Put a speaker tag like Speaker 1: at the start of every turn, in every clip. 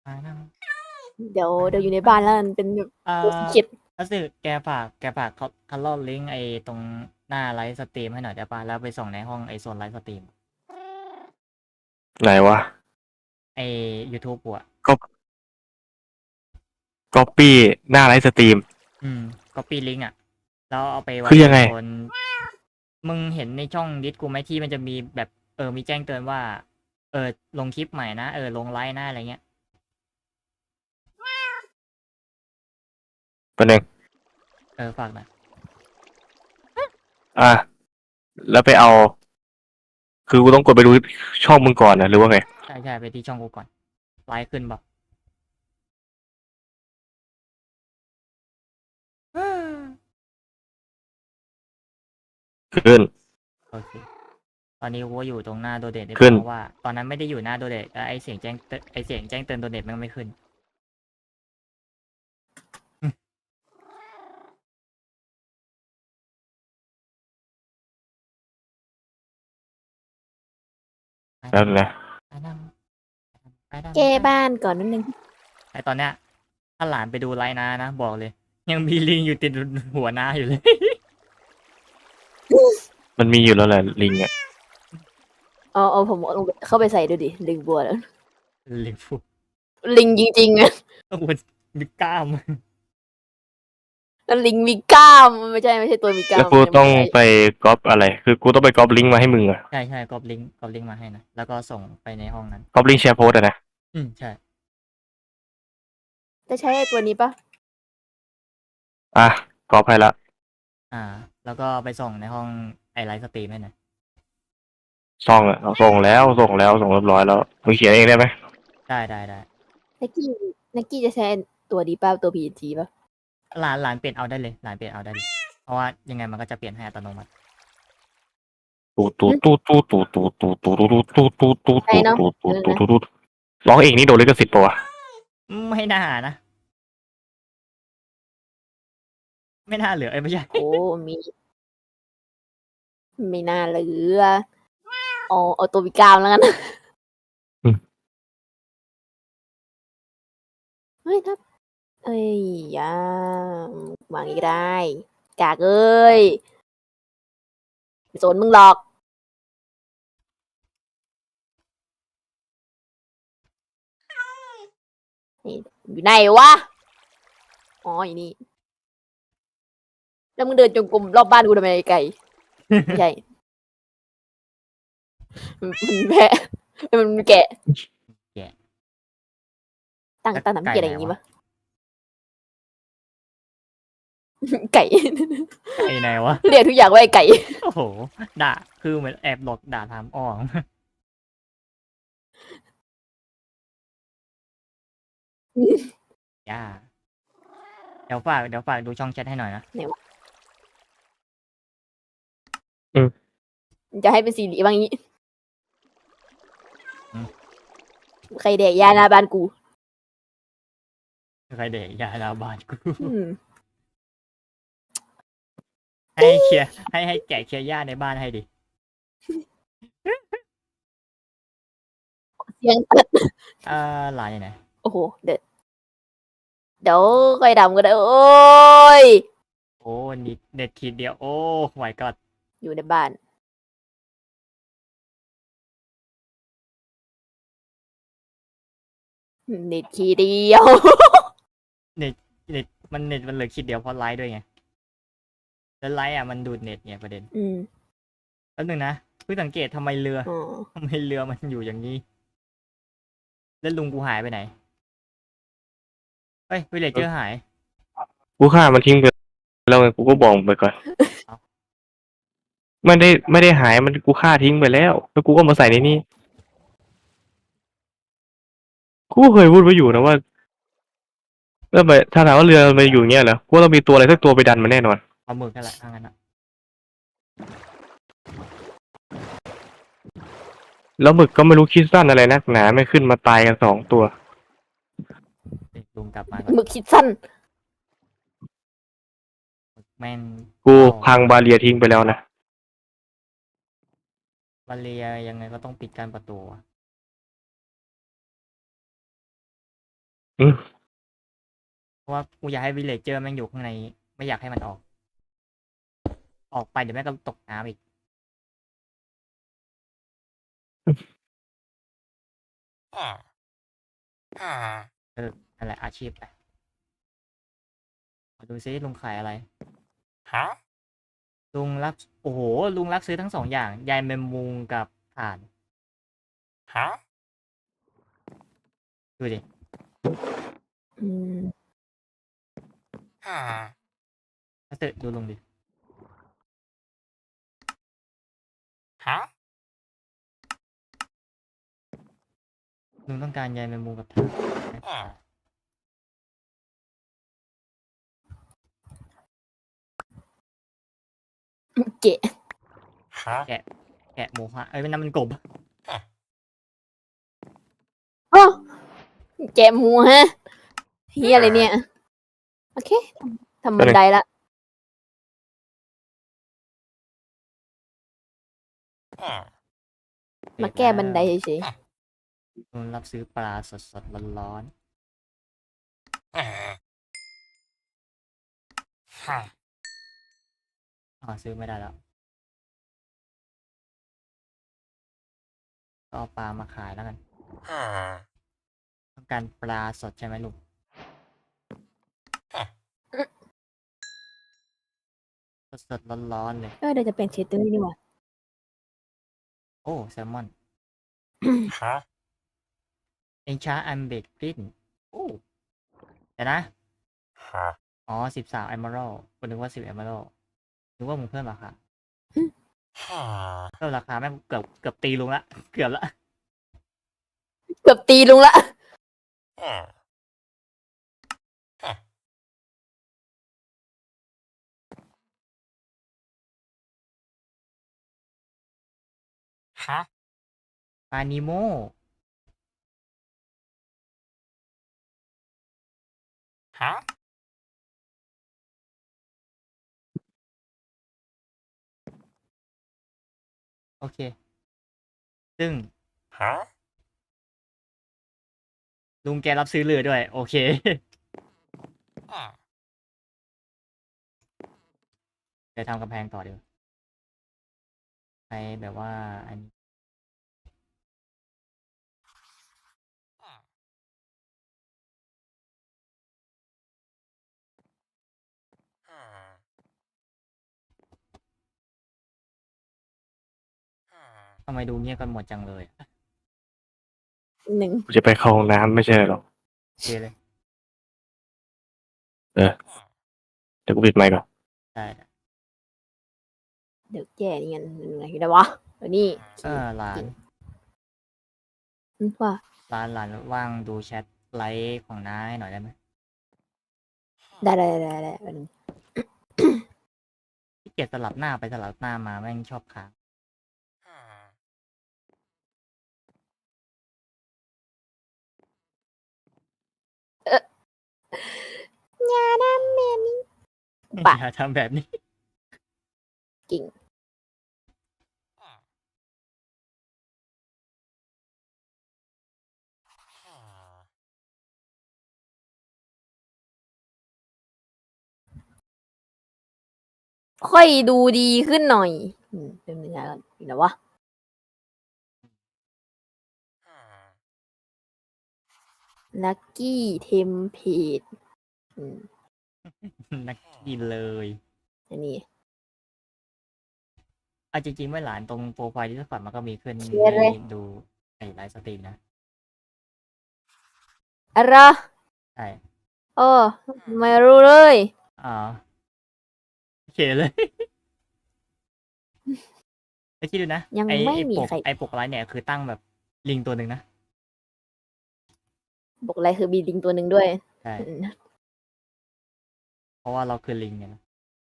Speaker 1: มานั่ง
Speaker 2: เดี๋ยวอยู่ในบ้านแล้วมันเป็นแบบ
Speaker 1: เอ่
Speaker 2: ตัว
Speaker 1: อ
Speaker 2: เขียด
Speaker 1: ก็คือแกฝากคัลลอลิงก์ไอ้ตรงหน้าไลฟ์สตรีมให้หน่อยได้ป่ะแล้วไปส่องในห้องไอ้โซนไลฟ์สตรีม
Speaker 3: ไหนวะ
Speaker 1: ไอ้ YouTube กูอะ
Speaker 3: ก็ก๊อปปี้หน้าไลฟ์สตรีม
Speaker 1: copy link อะแล้วเอาไปไว้
Speaker 3: คือยังไง
Speaker 1: ในโซนมึงเห็นในช่องดิสกูไหมที่มันจะมีแบบมีแจ้งเตือนว่าลงคลิปใหม่นะลงไลฟ์นะอะไรเงี้ย
Speaker 3: เป็นเอง
Speaker 1: ฝากหน่อย
Speaker 3: อ่ะแล้วไปเอา คือกูต้องกดไปดูช่องมึงก่อนนะหรือว่าไง
Speaker 1: ใช่ไปที่ช่องกูก่อนไลฟ์ขึ้นบอก
Speaker 3: ขึ้น
Speaker 1: โอเคตอนนี้กูก็อยู่ตรงหน้าโดเดตได้
Speaker 3: ขึ้น
Speaker 1: เพราะว่าตอนนั้นไม่ได้อยู่หน้าโดเดตไอเสียงแจ้งเตือนโดเดตมันไม่ขึ้น
Speaker 3: แล้วนะ
Speaker 1: ไปนั่งไปนั่ง
Speaker 2: แก้บ้านก่อนนิดนึง
Speaker 1: ไอตอนเนี้ยถ้าหลานไปดูไลน์นะบอกเลย ยังมีลิงอยู่ติดหัวน้าอยู่เลย
Speaker 3: มันมีอยู่แล้วแหละลิงอ่ะ
Speaker 2: เอาผมเอาลงไปเข้าไปใส่ดูดิลิงบัวแล้ว
Speaker 1: ลิงฟู
Speaker 2: ลิงจริงๆอะ
Speaker 1: ต้องมันมีกล้าม
Speaker 2: แล้วลิงมีกล้ามไม่ใช่ตัวมีกล้า
Speaker 3: แล้ว
Speaker 2: ม
Speaker 3: กูต้อง
Speaker 2: ไม่ใช่
Speaker 3: ไปก๊อปอะไร คือกูต้องไปก๊อปลิงก์มาให้มึงอ่ะ
Speaker 1: ใช่กรอบลิงก์มาให้นะแล้วก็ส่งไปในห้องนั้น
Speaker 3: ก๊อปลิงก์แชร์โพสต์อะนะ
Speaker 1: ใช่
Speaker 2: จะใช้ไอ้ตัวนี้ปะ
Speaker 3: อ่ะก๊อปให้ละ
Speaker 1: แล้วก็ไปส่งในห้องไอไลฟ์สตรีมให้หน่อย
Speaker 3: ส่องอ่ะส่งแล้วส่งเรียบร้อยแล้วมึงเขียนเองได้ไหม
Speaker 1: ได้
Speaker 2: นักกี้จะใช้ตัวดีป่ะตัว PNG ป่ะ
Speaker 1: หลานเปลี่ยนเอาได้เลยหลานเปลี่ยนเอาได้เลยเพราะว่ายังไงมันก็จะเปลี่ยนให้อัตโนมัติ
Speaker 3: ตูตูตูตูตูตูตูตูตูตูตูตูตูตูตูตูตูตูร้องเองนี่โดนลิขสิทธิ์ปะวะ
Speaker 1: ไม่น่านะไม่น่าเหลือไม่ใช่
Speaker 2: โอ้มีน่าเหลือเอาตัวมีกล้ามแล้วกันเฮ้ยทับเอ้ยวางอีกได้กากเอ้ยไม่สนมึงหรอกนี่อยู่ไหนวะอ๋ออยู่นี่แล้วมึงเดินจงกรมรอบบ้านกูทำไมไก่ไม่ใช่มันแพะมันแกะตั้งทำเกียอะไรอย่างงี้ปะไก่
Speaker 1: ไอ้ไหนวะ
Speaker 2: เรียกทุกอย่างว่าไอ้ไก่
Speaker 1: โอ้โหด่าคือเหมือนแอบหลอกด่าถามอ้อมย่าเดี๋ยวฝากดูช่องแชทให้หน่อยนะ
Speaker 2: จะให้เป็นสีเหลืองอย่างนี้ใครแดกยาหน้าบ้านกู
Speaker 1: ใครเด็กยาลาบานกู
Speaker 2: อืม
Speaker 1: ให้เคลียร์ให้แกะเคลียร์หญ้าในบ้านให้ดิ
Speaker 2: เสียงตัด
Speaker 1: หลานอยู่ไหน
Speaker 2: โอ้โหเดี๋ยวค่อยดำก็ได้ โอ้ย
Speaker 1: โอ้นิดเน็ตขีดเดียวโอ้ไหวก็
Speaker 2: อยู่ในบ้าน เน็ตทีเดียว
Speaker 1: เน็ตมันเหลือขีดเดียวเพราะไลฟ์ด้วยไงแล้วไลฟ์มันดูดเน็ตไงประเด็น
Speaker 2: อืม
Speaker 1: แล้วหนึ่งนะเพิ่งสังเกตทำไมเรือ
Speaker 2: อ๋อ
Speaker 1: ทำไมเรือมันอยู่อย่างนี้แล้วลุงกูหายไปไหนเฮ้ยวิลเลจเจอร์หาย
Speaker 3: กูฆ่ามันทิ้งไปแล้วไงกูก็บอกไปก่อน
Speaker 1: เอ้า
Speaker 3: ไม่ได้หายมันกูฆ่าทิ้งไปแล้วแล้วกูก็มาใส่ในนี่กูเคยพูดไว้อยู่นะว่าแล้วไปถ้าถามว่าเรือมันอยู่อย่างเงี้ยเหรอกูต้องมีตัวอะไรสักตัวไปดันมันแน่นอน
Speaker 1: เอาหมึกนั่นแหละทางนั้นอะ
Speaker 3: แล้วหมึกก็ไม่รู้คิดสั้นอะไรนักหนาไม่ขึ้นมาตายกัน2 ตัว
Speaker 1: ลุงกลับมาก่อน
Speaker 2: มึกคิดสั้น
Speaker 1: แม่ง
Speaker 3: กูพังบาเรียทิ้งไปแล้วนะ
Speaker 1: บาเลียยังไงก็ต้องปิดการประตูอะ
Speaker 3: อืม
Speaker 1: เพราะว่ากูอยากให้วิลเลจเจอร์แม่งอยู่ข้างใน ไม่อยากให้มันออก ออกไปเดี๋ยวแม่งก็ตกน้ำอีก นั่นแหละอาชีพไปมาดูซิลุงขายอะไร ลุงรับ โอ้โห ลุงรับซื้อทั้งสองอย่าง ยายแมมมุงกับถ่าน ดูดิ
Speaker 2: อืม
Speaker 1: ถ้าเกิดดูลุงดิ ลุงต้องการยายแมมมุงกับถ่าน
Speaker 2: เกะ
Speaker 1: แกะหมูฮะเอ้ยนั่นมันกบ
Speaker 2: โอ้แกะหมูฮะเฮียอะไรเนี่ย โอเคทำบันไดละ มาแก้บันไดเฉย
Speaker 1: ลุงรับซื้อปลาสดๆร้อนๆอ๋อซื้อไม่ได้แล้ว ก็เอาปลามาขายแล้วกัน ต้องการปลาสดใช่ไหมลุงสดๆร้อนๆเลย
Speaker 2: เดี๋ยวจะเป็นเชตเตอร์นี่หว่า
Speaker 1: โอ้แซลมอนเองช้าอันเบกกรินโอ้แต่นะ อ๋อ13 Emerald กูนึกว่า10 Emerald นึกว่ามึงเพิ่มราคาเพิ่มราคาแม่งเกือบตีลุงละ เกือบละ
Speaker 2: เกือบตีลุงละ
Speaker 1: ปลานิโมโอเค ซึ่งลุงแกรับซื้อเรือด้วย โอเค เดี๋ยวทำกำแพงต่อเดี๋ยวไปแบบว่าอันนี้ทำไมดูเงียบกันหมดจังเลย
Speaker 2: หนึ่ง
Speaker 3: กูจะไปเข้าห้องน้ำไม่ใช่หรอก
Speaker 1: โอเคเลย
Speaker 3: เดี๋ยวกูปิดไมค์ก่อน
Speaker 1: ได้
Speaker 2: เดี๋ยวแก้นี่กันไหนได้วะเดี๋ยวนี่
Speaker 1: หลาน
Speaker 2: ว่า
Speaker 1: หลานว่างดูแชทไลฟ์ของน้าให้หน่อยได้ไหม
Speaker 2: ได้
Speaker 1: ที่เกียจสลับหน้าไปสลับหน้ามาแม่งชอบค้าง
Speaker 2: อย่าทำแบบนี้
Speaker 1: อ
Speaker 2: ปะ
Speaker 1: ย่าทำแบบนี้
Speaker 2: กิ่งค่อยดูดีขึ้นหน่อยเป็นยังไงกันอีกแล้ววะลักกี้เทมเพด
Speaker 1: นักกินเลย
Speaker 2: อันนี้
Speaker 1: เอาจริงๆเมื่อหลานตรงโปรไฟล์ที่สปอร์ตมันก็มีขึ้น
Speaker 2: เชียร์เลย
Speaker 1: ให้ดูในไลฟ์สตรีมนะ
Speaker 2: อะไร
Speaker 1: ใช่
Speaker 2: ไม่รู้เลย
Speaker 1: อ๋อโอเคเลย ไอ้คิดดูนะ
Speaker 2: ยัง
Speaker 1: ไอ้
Speaker 2: ไม่
Speaker 1: ไอ้
Speaker 2: มี
Speaker 1: ปก
Speaker 2: ใคร
Speaker 1: ไอ้ปกไลฟ์เนี่ยคือตั้งแบบลิงตัวหนึ่งนะ
Speaker 2: บอกอะไรคือมีลิงตัวหนึ่งด้วย
Speaker 1: ใช่ เพราะว่าเราคือลิงเนี่ยนะ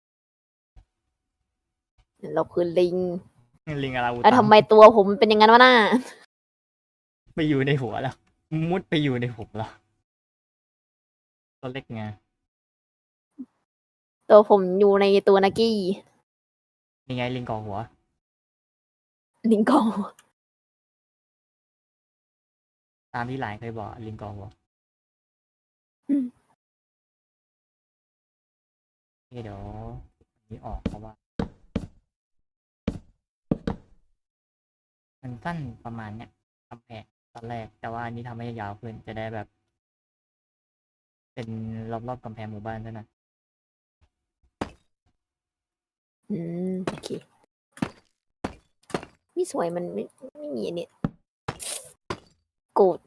Speaker 2: เราคือลิง
Speaker 1: ลิงอาราวู
Speaker 2: แล้ว
Speaker 1: ตั
Speaker 2: ทำไมตัวผมเป็นอย่างนั้นวะน่า
Speaker 1: ไปอยู่ในหัวแล้ว มุดไปอยู่ในหัวแล้วตัวเล็กไง
Speaker 2: ตัวผมอยู่ในตัวนักกี้
Speaker 1: ยังไงลิงก่อหัว
Speaker 2: ลิงกอง
Speaker 1: ตามที่หลานเคยบอกลิงก่อหัวเดี๋ยวอันนี้ออกเพราะว่า มันสั้นประมาณเนี้ยกำแพงตอนแรก แต่ว่าอันนี้ทำให้ยาวขึ้นจะได้แบบ เป็นรอบๆกำแพงหมู่บ้านด้วยนะ
Speaker 2: โอเคนี่สวยมันไม่มีอันเนี่ยโกรธ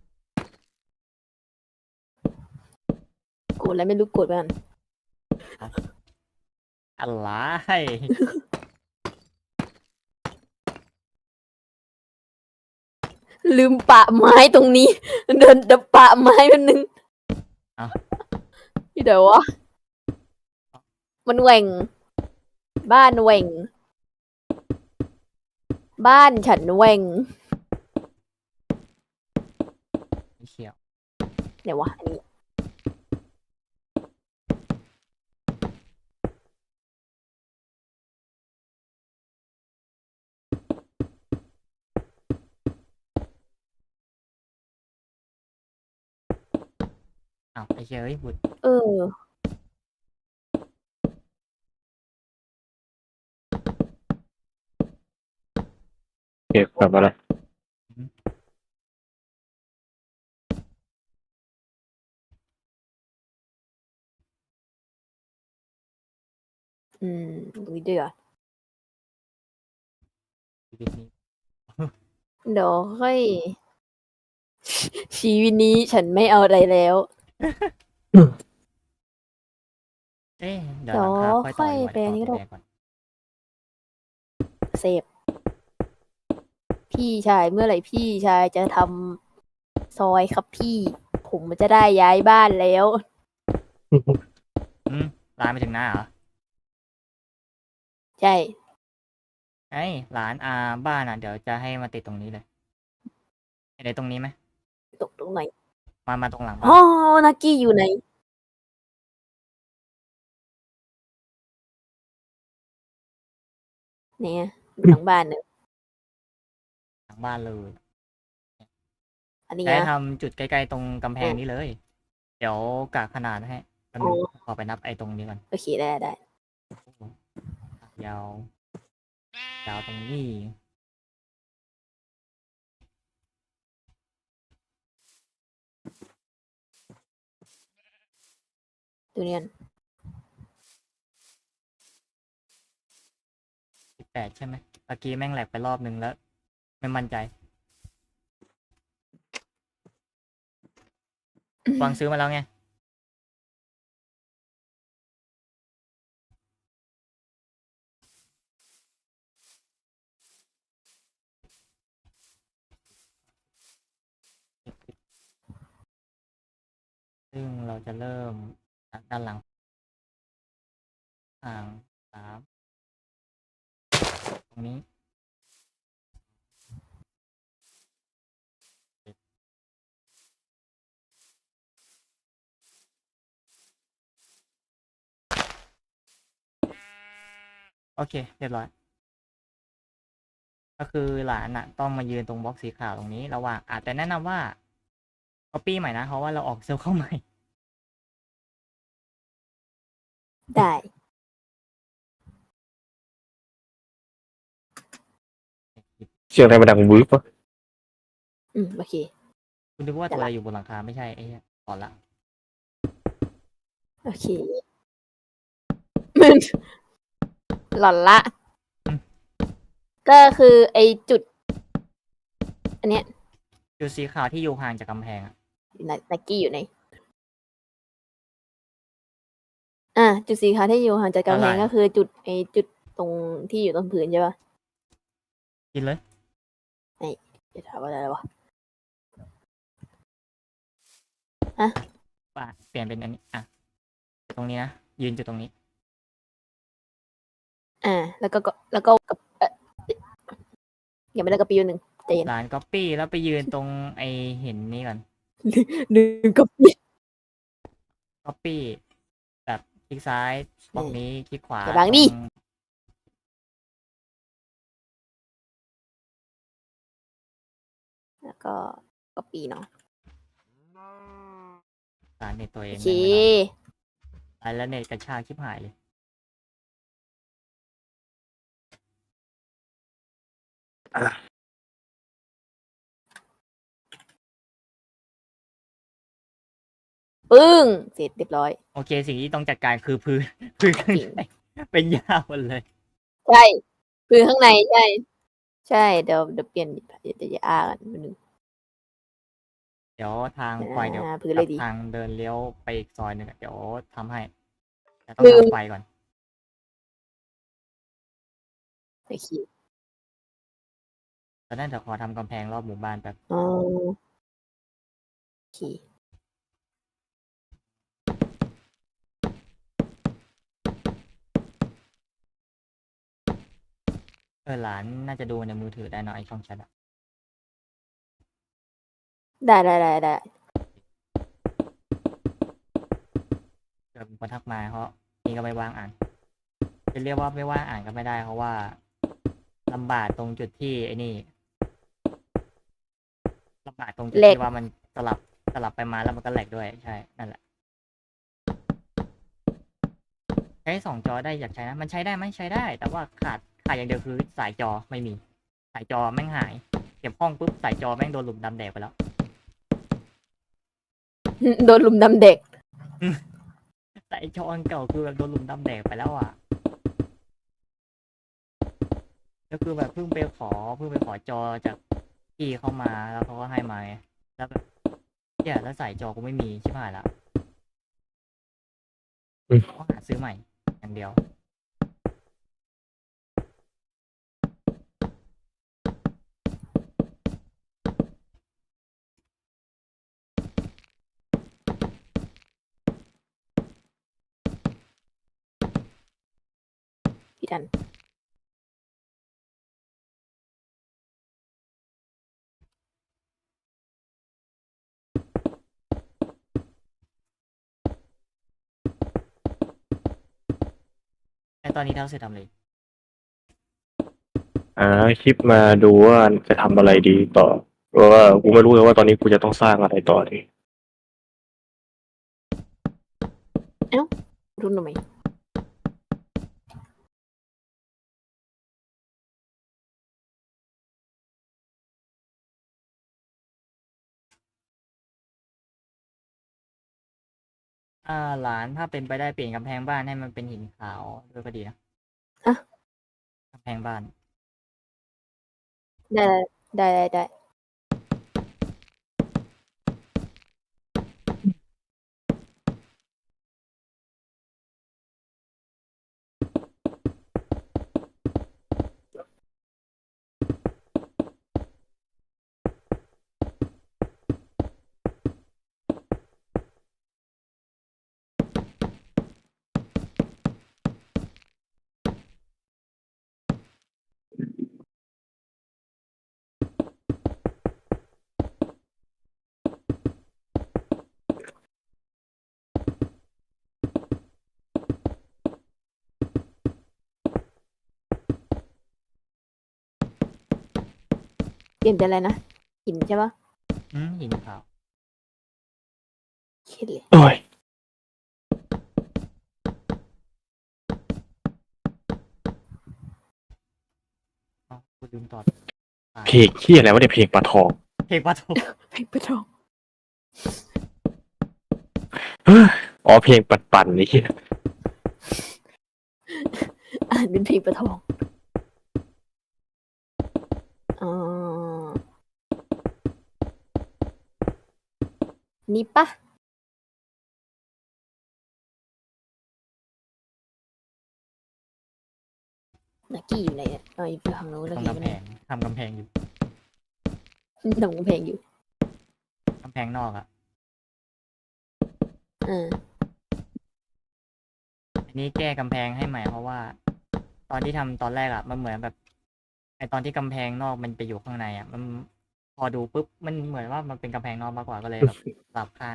Speaker 2: แล้วไม่รู้โกรธไปกัน
Speaker 1: อะไร
Speaker 2: ลืมปะไม้ตรงนี้ เดินดับปะไม้มันนึง
Speaker 1: เอ้า
Speaker 2: ที่เดี๋ยววะมันแหว่ง บ้านแหว่ง บ้านฉันแหว่ง
Speaker 1: ไม่เขียว
Speaker 2: เดี๋ยววะอันนี้
Speaker 1: อ้าวไอ้เชี่ยเอ้ยบุด
Speaker 2: เออ
Speaker 3: เก็บแบบอะไร
Speaker 2: ดูดิอ่ะ
Speaker 1: ชีวิตนี้
Speaker 2: เดี๋ยวค่อย ชีวิตนี้ฉันไม่เอาอะไรแล้ว
Speaker 1: เอ๊ะเดี๋ยวหลังคาค่อยต่อดีกว่า
Speaker 2: เดี๋ยวค่อยไปอันนี้ก็ได้
Speaker 1: เดี๋ยวก่อน
Speaker 2: เสพพี่ชายเมื่อไหร่พี่ชายจะทำซอยครับพี่ ผมจะได้ย้ายบ้านแล้ว
Speaker 1: ร้านไปถึงหน้าเหรอ
Speaker 2: ใช่
Speaker 1: ไอ้ร้านบ้านเดี๋ยวจะให้มาติดตรงนี้เลยเห็นไอ้ตรงนี้ไหม
Speaker 2: ตรงไหน
Speaker 1: มาตรงหลังบ้า
Speaker 2: อ๋อน นักกี้อยู่ไหน เนี่ยหลังบ้านเนี่ย
Speaker 1: หลังบ้านเลย
Speaker 2: อันนี้
Speaker 1: จะให้
Speaker 2: นะ
Speaker 1: ทำจุดใกล้ๆตรงกำแพงนี้เลย เดี๋ยวกะขนาดให้แป๊บนึงขอไปนับไอ้ตรงนี้ก่อน
Speaker 2: โอเคได้
Speaker 1: ยาว ยาวตรงนี้
Speaker 2: ดูเนี่ย
Speaker 1: 18ใช่ไหมเมื่อกี้แม่งแหลกไปรอบนึงแล้ว ไม่มั่นใจวางซื้อมาแล้วไง ซึ่งเราจะเริ่มจากด้านหลังอ่าง3ตรงนี้ โอเค เรียบร้อย ก็คือหลานต้องมายืนตรงบล็อกสีขาวตรงนี้ระหว่างแต่แนะนำว่า copy ใหม่นะ เพราะว่าเราออกเซลล์เข้าใหม่
Speaker 2: ได้
Speaker 3: เสียงอะไรมาดังวืบวะ
Speaker 2: โอเค
Speaker 1: คุณนึกว่าตัวอะไรอยู่บนหลังคาไม่ใช่ไอ้เหี้ยก่อนละ
Speaker 2: โอเค มันหล่อนละ ก็คือไอจุด อันเนี้ย
Speaker 1: จุดสีขาวที่อยู่ห่างจากกำแพง
Speaker 2: นักกี้อยู่ไหน จุดสีขาวที่อยู่ห่างจากกำแพงก็คือจุดจุดตรงที่อยู่ตรงพื้นใช่ปะ
Speaker 1: กินเลย
Speaker 2: จะถามว่าอะไรวะ
Speaker 1: ป่ะเปลี่ยนเป็นอันนี้ตรงนี้นะยืนจุดตรงนี้
Speaker 2: แล้วก็ยังไม่ได้กระปิวหนึ่งใจเย็น
Speaker 1: หลาน copy แล้วไปยืนตรงไอเห็นนี้ก่อน
Speaker 2: ลืมกระปิว
Speaker 1: copy แบบคลิกซ้ายบล็อกนี้คลิกขวา
Speaker 2: อย่าบังดิ
Speaker 1: ตรง
Speaker 2: แล้วก็กระปีเนาะ
Speaker 1: สารเน็ตตัวเอ
Speaker 2: โอง เค
Speaker 1: แม่งไม่รอดแล้วเน็ตกระชากชิบหายเลย
Speaker 2: ปึ้ง เสร็จเรียบร้อย
Speaker 1: โอเค สิ่งที่ต้องจัดการคือพื้นข้าง
Speaker 2: จริง
Speaker 1: ในเป็นหญ้าหมดเลย
Speaker 2: ใช่คือข้างในใช่ ใช่ เดี๋ยวเปลี่ยนเดี๋ยวจะอ่านนิดนึง
Speaker 1: เดี๋ยวทางไฟเดี๋ยว
Speaker 2: พื้น
Speaker 1: ก
Speaker 2: เล
Speaker 1: ลับ
Speaker 2: ยดี
Speaker 1: ทางเดินเลี้ยวไปอีกซอยหนึ่งอะเดี๋ยวทำให้แต่ต้อง
Speaker 2: ลืม
Speaker 1: ทำไฟก่อน
Speaker 2: โอเค
Speaker 1: ตอนนั้นเดี๋ยวขอทำกำแพงรอบหมู่บ้านแป๊บ
Speaker 2: อ๋อโอเค
Speaker 1: หลานน่าจะดูในมือถือได้เนอะไอช่องแชทอะ
Speaker 2: ได้
Speaker 1: เกิดมีคนทักมาเพราะนี่ก็ไม่ว่างอ่าน จะเรียกว่าไม่ว่างอ่านก็ไม่ได้เพราะว่าลำบากตรงจุดที่ไอ้นี่ลำบากตรงจุด
Speaker 2: แหลก
Speaker 1: ที่ว่ามันสลับไปมาแล้วมันก็แหลกด้วยใช่นั่นแหละใช้2 จอได้อยากใช้นะมันใช้ได้ไหมใช้ได้ แต่ว่าขาดอย่างเดียวคือสายจอไม่มี สายจอแม่งหายเก็บห้องปุ๊บสายจอแม่งโดนหลุมดำแดกไปแล้ว
Speaker 2: โดนลุมดำเด็ก
Speaker 1: สายจออันเก่าคือแบบโดนหลุมดำแดกไปแล้วอ่ะแล้วคือแบบเพิ่งไปขอจอจากพี่เข้ามาแล้วเขาก็ให้มาไงแล้วแบบแล้วสายจอกูไม่มีชิบหายละต้องหาซื้อใหม่อย่างเดียว
Speaker 2: พี่ดัน
Speaker 1: ไอตอนนี้เท่าเสร็จทำเลย
Speaker 3: คลิปมาดูว่าจะทำอะไรดีต่อเพราะว่ากูไม่รู้เลยว่าตอนนี้กูจะต้องสร้างอะไรต่อดี
Speaker 2: รุ่นทำไม
Speaker 1: หลานถ้าเป็นไปได้เปลี่ยนกำแพงบ้านให้มันเป็นหินขาวด้วยก็ดีนะ
Speaker 2: อะ
Speaker 1: กำแพงบ้าน
Speaker 2: ได้ เปลี่ยนเป็นอะไรนะ หินใช่ปะ
Speaker 1: หินขาว
Speaker 2: คิดเลย
Speaker 3: โอ้ย
Speaker 1: กูลืมตอบ
Speaker 3: เพลงเฮียอะไรวะเนี่ยเพลงปลาทอง
Speaker 1: เพลงปะโถ
Speaker 2: เพลงประทอง
Speaker 3: อ๋อเพลงปั่นๆนี่เฮีย
Speaker 2: อ่านเป็นเพลงประทอง อ๋อ นี่ปะนักกี้อยู่ไหนเนี่ยอยู่ทางโน้น
Speaker 1: ต
Speaker 2: นั
Speaker 1: ร
Speaker 2: ก
Speaker 1: ง
Speaker 2: กี้
Speaker 1: กำแพงทำกำแพงอยู่
Speaker 2: ทำกำแพงอยู่
Speaker 1: กำแพงนอกอะ อันนี้แก้กำแพงให้ใหม่เพราะว่า ตอนที่ทำตอนแรกอะมันเหมือนแบบไอตอนที่กำแพงนอกมันไปอยู่ข้างในอะมันพอดูปุ๊บมันเหมือนว่ามันเป็นกำแพงนอกมากกว่าก็เลยแบบสลับข้าง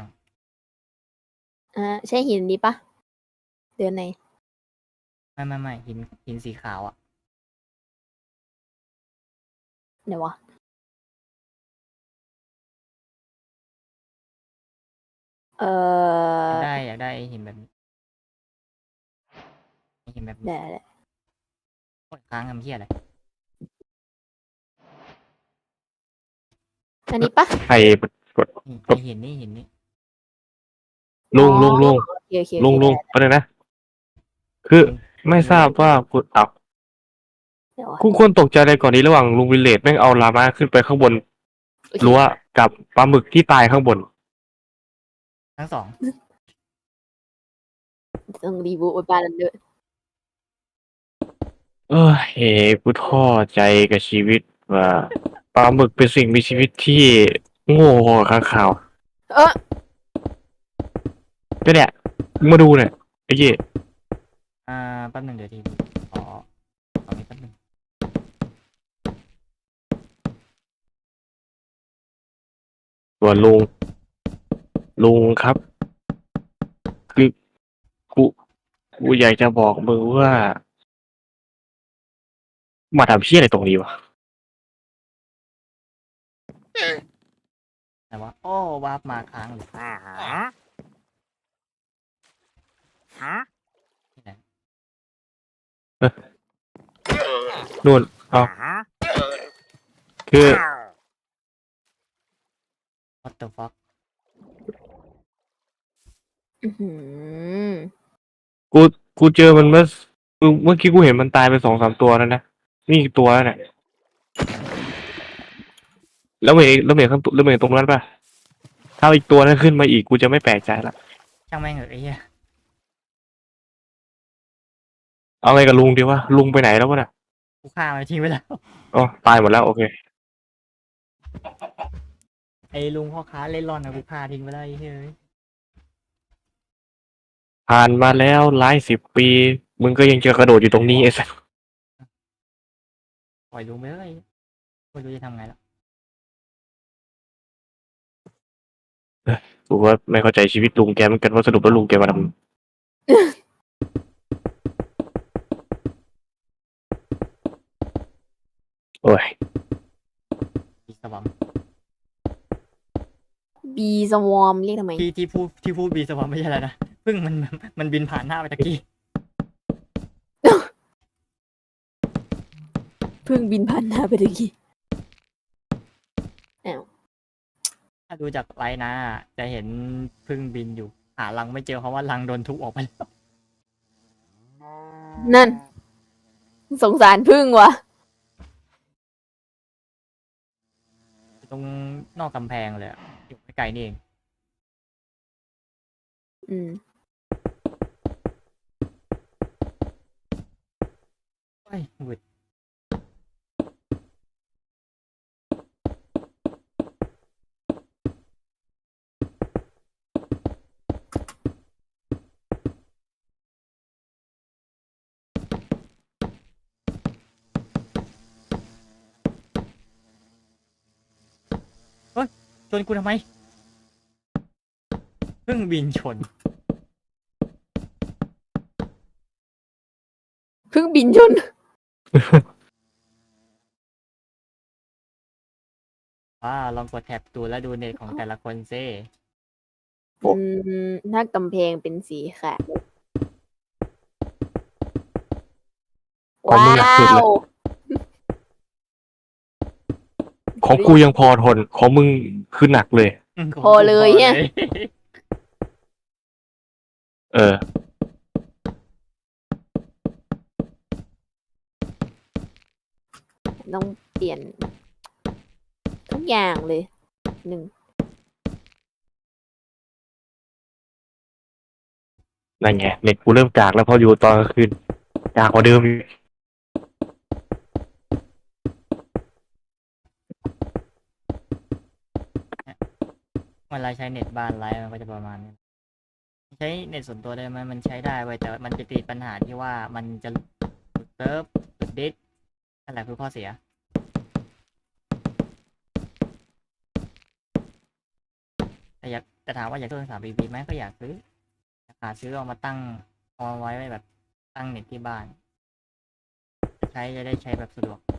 Speaker 2: ใช่หินนี้ปะเดือนไหน
Speaker 1: ไม่หินสีขาวอะ
Speaker 2: ไหนวะเออ
Speaker 1: อยากได้หินแบบนี้หินแบบนี้
Speaker 2: ได้
Speaker 1: โอ้ยค้างทำเหี้ยอะไร
Speaker 2: อันนี้ปะ
Speaker 3: ใครกด
Speaker 1: นี่ไอหินนี่
Speaker 3: ลุง
Speaker 2: อ๋อ
Speaker 3: ลุงลุง
Speaker 2: โอเคโอเค
Speaker 3: ลุง
Speaker 2: โอเค
Speaker 3: ลุง
Speaker 2: ได้
Speaker 3: ก็เลยนะ คือไม่ทราบว่าคุณเอา
Speaker 2: เดี๋ยว
Speaker 3: คุณควรตกใจอะไรก่อนนี้ระหว่างลุงวิลเลจแม่งเอาลามาขึ้นไปข้างบน
Speaker 2: โอเค
Speaker 3: รั้วกับปลาหมึกที่ตายข้างบน
Speaker 1: ทั้งสอง
Speaker 2: ต้องรีบูทบ้านนั้นด้วย
Speaker 3: เฮ้กูท้อใจกับชีวิตว่าปลาหมึกเป็นสิ่งมีชีวิตที่โง่กว่าข้างข่าว
Speaker 2: เออ
Speaker 3: ก็เนี่ยมึงมาดูเนี่ยไอ้เหี้ย
Speaker 1: แป๊บหนึ่งเดี๋ยวทีขอนี้แป๊บหนึ่ง
Speaker 3: ส่วนลุงครับ คือกูอยากจะบอกมึงว่า มาทำเพี้ยอะไรตรงนี้วะ
Speaker 1: แต่ว่าโอ้วาร์ปมาค้างเลยที่ไหน
Speaker 3: นู่นเอาคือ
Speaker 1: what the fuck
Speaker 2: อื้อหือ
Speaker 3: กูเจอมันเมื่อกี้กูเห็นมันตายไป2-3 ตัวแล้วนะนี่อีกตัวแล้วเนี่ยแล้วเห็นข้างตัวแล้วเห็นตรงนั้นป่ะถ้าอีกตัวนั้นขึ้นมาอีกกูจะไม่แปลกใจละ
Speaker 1: ช่างแม่งเหอะไอ้เหี้ย
Speaker 3: เอาไงกับลุงดีวะลุงไปไหนแล้ววะเนี่ย
Speaker 1: กูฆ่ามันทิ้งไว้แล้ว
Speaker 3: อ๋อตายหมดแล้วโอเค
Speaker 1: ไอ้ลุงพ่อค้าเล่นร่อนนะกูฆ่าทิ้งไปแล้วไอ้เฮ้ย
Speaker 3: ผ่านมาแล้วหลาย10 ปีมึงก็ยังจะกระโดดอยู่ตรงนี้ไอ้สัส
Speaker 1: ปล่อยลุงไปเลยไม่รู้จะทำไงแล้ว
Speaker 3: กูว่าไม่เข้าใจชีวิตลุงแกเหมือนกันว่าสรุปแล้วลุงแกมาทำโอ้ย
Speaker 1: บีสวอม
Speaker 2: บีสวอมเรียกทำไม
Speaker 1: ที่พูดบีสวอมไม่ใช่อะไรนะเพิ่งมันบินผ่านหน้าไปตะกี้
Speaker 2: เพิ่งบินผ่านหน้าไปตะกี้อ้าว
Speaker 1: ถ้าดูจากไลน์นะจะเห็นเพิ่งบินอยู่ หารังไม่เจอเพราะว่ารังโดนทุบออกไปแล้ว
Speaker 2: นั่น สงสารพึ่งวะ
Speaker 1: ตรงนอกกำแพงเลยอะอยู่ไม่ไกลนี่เอง
Speaker 2: อืม
Speaker 1: เฮ้ยหวืด ชนกูทำไมเพิ่งบินชน
Speaker 2: เพิ่งบินชน
Speaker 1: ลองกดแท็บดูแล้วดูเน็ตของแต่ละคนซิ
Speaker 2: หน้ากำแพงเป็นสีขาว
Speaker 3: ของ
Speaker 2: ว้า
Speaker 3: มึงหนักสุดเลย
Speaker 2: ว
Speaker 3: ของกูยังพอทนของมึงคือหนักเลย
Speaker 2: พอเลยเนี่ย
Speaker 3: เออ
Speaker 2: ต้องเปลี่ยน ทุกอย่างเลยหนึ่ง
Speaker 3: นั่นไงเน็ตกูเริ่มจากแล้วพออยู่ตอนกลางคืนจากกว่าเดิมอีก
Speaker 1: เวลาใช้เน็ตบ้านไลฟ์มันก็จะประมาณนี้ใช้เน็ตส่วนตัวได้ไหมมันใช้ได้ไว้ยแต่มันจะติดปัญหาที่ว่ามันจะหลุดเซิร์ฟหลุดดิสนั่นแหละคือข้อเสีย แต่ถามว่าอยากซื้อ3 BB ไหมก็อยากซื้อหาซื้อเอามาตั้งเอาไว้แบบตั้งเน็ตที่บ้านจะได้ใช้แบบสะดวก